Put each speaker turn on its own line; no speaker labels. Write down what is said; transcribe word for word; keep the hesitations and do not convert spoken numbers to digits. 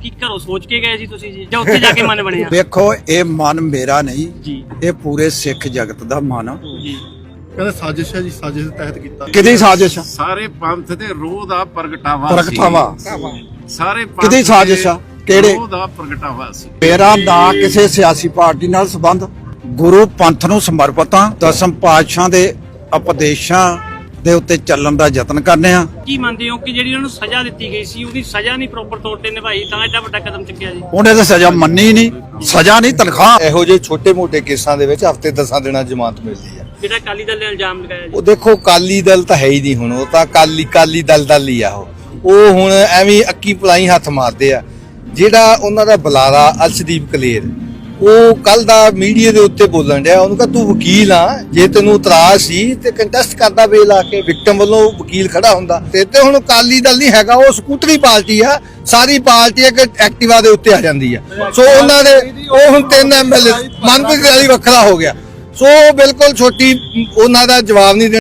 ਕੀ ਘਰੋਂ ਸੋਚ ਕੇ ਗਏ ਸੀ ਤੁਸੀਂ ਜੀ ਜਾਂ ਉੱਥੇ ਜਾ ਕੇ ਮਨ ਬਣਿਆ?
ਦੇਖੋ ਇਹ ਮਨ ਮੇਰਾ ਨਹੀਂ
ਜੀ,
ਇਹ ਪੂਰੇ ਸਿੱਖ ਜਗਤ ਦਾ ਮਨ ਆ।
ਜੀ
ਕਹਿੰਦੇ ਸਾਜ਼ਿਸ਼ ਹੈ ਜੀ, ਸਾਜ਼ਿਸ਼ ਦੇ ਤਹਿਤ ਕੀਤਾ।
ਕਿਹਦੀ ਸਾਜ਼ਿਸ਼ ਆ?
ਸਾਰੇ ਪੰਥ ਦੇ ਰੋਹ ਦਾ ਪ੍ਰਗਟਾਵਾ
ਪ੍ਰਗਟਾਵਾ
ਸਾਰੇ ਪੰਥ
ਕਿਹਦੀ ਸਾਜ਼ਿਸ਼ ਆ? ਕਿਹੜੇ
ਰੋਹ ਦਾ ਪ੍ਰਗਟਾਵਾ ਸੀ।
ਮੇਰਾ ਨਾ ਕਿਸੇ ਸਿਆਸੀ ਪਾਰਟੀ ਨਾਲ ਸੰਬੰਧ, ਗੁਰੂ ਪੰਥ ਨੂੰ ਸਮਰਪਿਤ ਆ। ਦਸਮ ਪਾਤਸ਼ਾਹ ਦੇ ਉਪਦੇਸ਼ਾਂ ਦੇ ਉੱਤੇ ਚੱਲਣ ਦਾ ਯਤਨ ਕਰਨੇ ਆ।
ਕੀ ਮੰਨਦੇ ਹੋ ਕਿ ਜਿਹੜੀ ਉਹਨਾਂ ਨੂੰ ਸਜ਼ਾ ਦਿੱਤੀ ਗਈ ਸੀ ਉਹਦੀ ਸਜ਼ਾ ਨਹੀਂ ਪ੍ਰੋਪਰ ਤੌਰ ਤੇ ਨਿਭਾਈ ਤਾਂ ਐਡਾ ਵੱਡਾ ਕਦਮ ਚੁੱਕਿਆ ਜੀ?
ਉਹਨੇ ਤਾਂ ਸਜ਼ਾ ਮੰਨੀ ਨਹੀਂ, ਸਜ਼ਾ ਨਹੀਂ ਤਨਖਾਹ।
ਇਹੋ ਜਿਹੇ ਛੋਟੇ-ਮੋਟੇ ਕੇਸਾਂ ਦੇ ਵਿੱਚ ਹਫ਼ਤੇ ਦਸਾਂ ਦਿਨਾਂ ਜ਼ਮਾਨਤ ਮਿਲਦੀ ਹੈ।
ਜਿਹੜਾ ਅਕਾਲੀ ਦਲ ਨੇ ਇਲਜ਼ਾਮ ਲਗਾਇਆ ਜੀ,
ਉਹ ਦੇਖੋ ਕਾਲੀ ਦਲ ਤਾਂ ਹੈ ਹੀ ਨਹੀਂ ਹੁਣ, ਉਹ ਤਾਂ ਕਾਲੀ ਕਾਲੀ ਦਲ ਦਲ ਹੀ ਆ। ਉਹ ਉਹ ਹੁਣ ਐਵੇਂ ਅੱਕੀ ਪਲਾਈ ਹੱਥ ਮਾਰਦੇ ਆ। ਜਿਹੜਾ ਉਹਨਾਂ ਦਾ ਬੁਲਾਰਾ ਅਰਸ਼ਦੀਪ ਕਲੇਰ, ਉਹ ਕੱਲ ਦਾ ਮੀਡੀਆ ਦੇ ਉੱਤੇ ਬੋਲਣ ਡਿਆ। ਉਹਨੂੰ ਕਹ ਤੂੰ ਵਕੀਲ ਆ, ਜੇ ਤੈਨੂੰ ਇਤਰਾਜ਼ ਸੀ ਤੇ ਕੰਟੈਸਟ ਕਰਦਾ ਵੇਲ ਆ ਕੇ, ਵਿਕਟਮ ਵੱਲੋਂ ਵਕੀਲ ਖੜਾ ਹੁੰਦਾ। ਤੇ ਤੇ ਹੁਣ ਅਕਾਲੀ ਦਲ ਨਹੀਂ ਹੈਗਾ, ਉਹ ਸਕੂਟਰੀ ਪਾਰਟੀ ਆ। ਸਾਰੀ ਪਾਰਟੀ ਇੱਕ ਐਕਟਿਵਾ ਦੇ ਉੱਤੇ ਆ ਜਾਂਦੀ ਆ। ਸੋ ਉਹਨਾਂ ਦੇ ਉਹ ਹੁਣ ਤਿੰਨ ਐਮਐਲਏ ਮਨਪ੍ਰੀਤ ਵਾਲੀ ਵੱਖਰਾ ਹੋ ਗਿਆ। ਸੋ ਬਿਲਕੁਲ ਛੋਟੀ ਉਹਨਾਂ ਦਾ ਜਵਾਬ ਨਹੀਂ